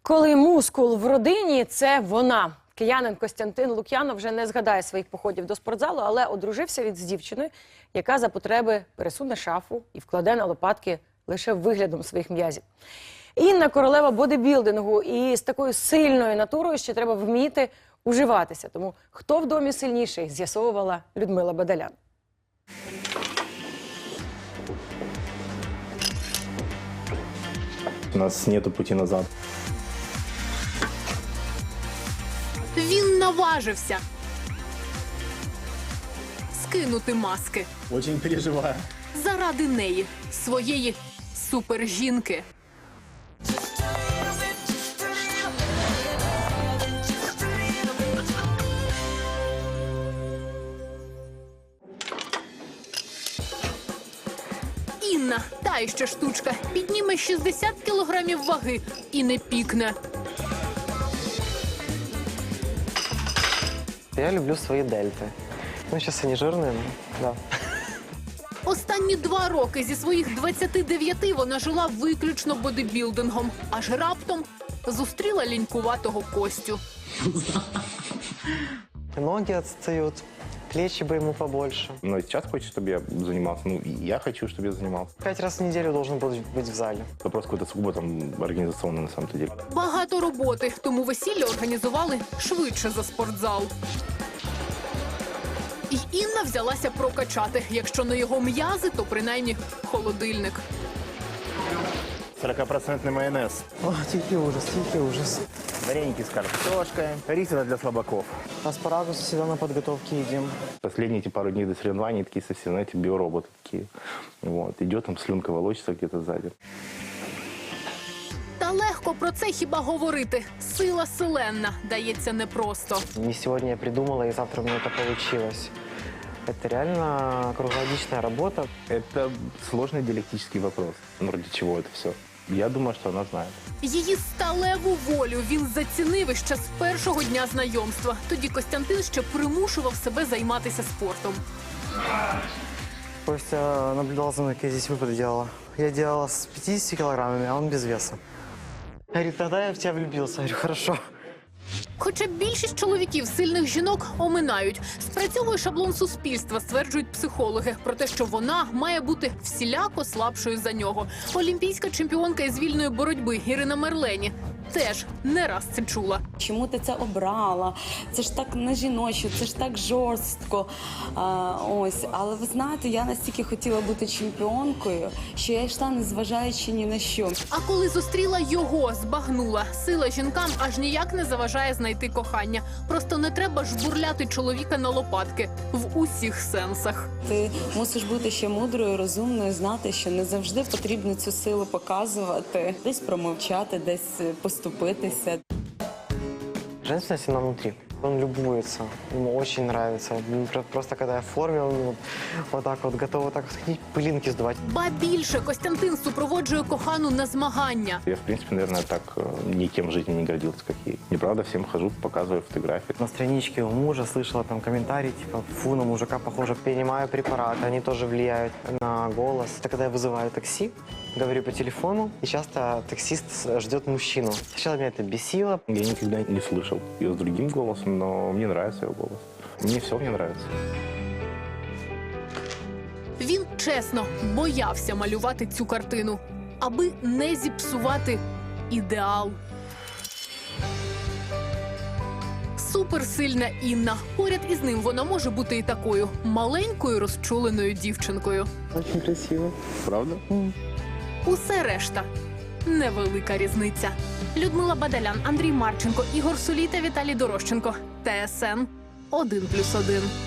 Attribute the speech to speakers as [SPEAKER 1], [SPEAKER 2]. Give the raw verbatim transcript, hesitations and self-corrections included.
[SPEAKER 1] Коли мускул в родині – це вона. Киянин Костянтин Лук'янов вже не згадає своїх походів до спортзалу, але одружився він з дівчиною, яка за потреби пересуне шафу і вкладе на лопатки лише виглядом своїх м'язів. Інна – королева бодибілдингу, і з такою сильною натурою ще треба вміти уживатися. Тому хто в домі сильніший, з'ясовувала Людмила Бадалян.
[SPEAKER 2] У нас нету пути назад.
[SPEAKER 3] Він наважився скинути маски.
[SPEAKER 2] Очень переживаю.
[SPEAKER 3] Заради неї, своєї супержінки. Інна, та іще штучка, підніме шістдесят кілограмів ваги і не пікне.
[SPEAKER 4] Я люблю свои дельты. Ну, сейчас они жирные, но да.
[SPEAKER 3] Останні два роки зі своїх двадцяти дев'яти вона жила виключно бодибілдингом. Аж раптом зустріла лінькуватого Костю.
[SPEAKER 4] Ноги отстают, плечи бы ему побольше.
[SPEAKER 2] Но сейчас хочет, чтобы я занимался. Ну, и я хочу, чтобы я занимался.
[SPEAKER 4] Пять раз в неделю должен был быть в зале.
[SPEAKER 2] Вопрос какой-то сугубо там организационный на самом деле.
[SPEAKER 3] Багато роботи, тому весілля організували швидше за спортзал. І Інна взялася прокачати. Якщо не його м'язи, то принаймні холодильник.
[SPEAKER 2] сорокапроцентный майонез.
[SPEAKER 4] О, тихий ужас, тихий ужас.
[SPEAKER 2] Вареники с картошкой. Рис для слабаков.
[SPEAKER 4] Аспарагус всегда на подготовке едим.
[SPEAKER 2] Последние эти пару дней до соревнований такие совсем, знаете, биороботы такие. Вот. Идет там слюнка волочится где-то сзади.
[SPEAKER 3] Та легко про це хіба говорити. Сила селенна дається непросто.
[SPEAKER 4] Не сегодня я придумала, и завтра у меня это получилось. Это реально круглогодичная работа.
[SPEAKER 2] Это сложный диалектический вопрос. Ну, ради чего это все? Я думаю, что она знает.
[SPEAKER 3] Її сталеву волю він зацінив іще з першого дня знайомства. Тоді Костянтин ще примушував себе займатися спортом.
[SPEAKER 4] Костя наблюдал за мной, как я здесь выпады делала. Я делала с пятьюдесятью килограммами, а он без веса. Говорит, тогда я в тебя влюбился. Я говорю, хорошо.
[SPEAKER 3] Хоча більшість чоловіків сильних жінок оминають. Спрацьовує шаблон суспільства, стверджують психологи, про те, що вона має бути всіляко слабшою за нього. Олімпійська чемпіонка із вільної боротьби Ірина Мерлені теж не раз це чула.
[SPEAKER 5] Чому ти це обрала? Це ж так не жіночо, це ж так жорстко. А, ось, але ви знаєте, я настільки хотіла бути чемпіонкою, що я йшла, незважаючи ні на що.
[SPEAKER 3] А коли зустріла його, збагнула. Сила жінкам аж ніяк не заважає знайти кохання. Просто не треба жбурляти чоловіка на лопатки. В усіх сенсах.
[SPEAKER 5] Ти мусиш бути ще мудрою, розумною, знати, що не завжди потрібно цю силу показувати. Десь промовчати, десь поступитися.
[SPEAKER 4] Женственность она внутри. Он любуется, ему очень нравится. Просто когда я в форме, он вот, вот так вот готов вот так сходить, пылинки сдувать.
[SPEAKER 3] Ба більше, Костянтин супроводжує кохану на змагання.
[SPEAKER 2] Я, в принципе, наверное, так э, никем в жизни не гордился, как ей. Неправда, всем хожу, показываю фотографии.
[SPEAKER 4] На страничке у мужа слышала там комментарий, типа, фу, на мужика похоже. Принимаю препараты, они тоже влияют на голос. Это когда я вызываю такси, говорю по телефону, и часто таксист ждет мужчину. Сначала меня это бесило.
[SPEAKER 2] Я никогда не слышал ее с другим голосом, но мне нравится ее голос. Мне все мне нравится.
[SPEAKER 3] Він чесно боявся малювати цю картину, аби не зіпсувати ідеал. Суперсильна Інна. Поряд із ним вона може бути і такою маленькою розчуленою дівчинкою.
[SPEAKER 4] Очень красиво.
[SPEAKER 2] Правда?
[SPEAKER 3] Усе решта – невелика різниця. Людмила Бадалян, Андрій Марченко, Ігор Сулій та Віталій Дорощенко. Т С Н один плюс один.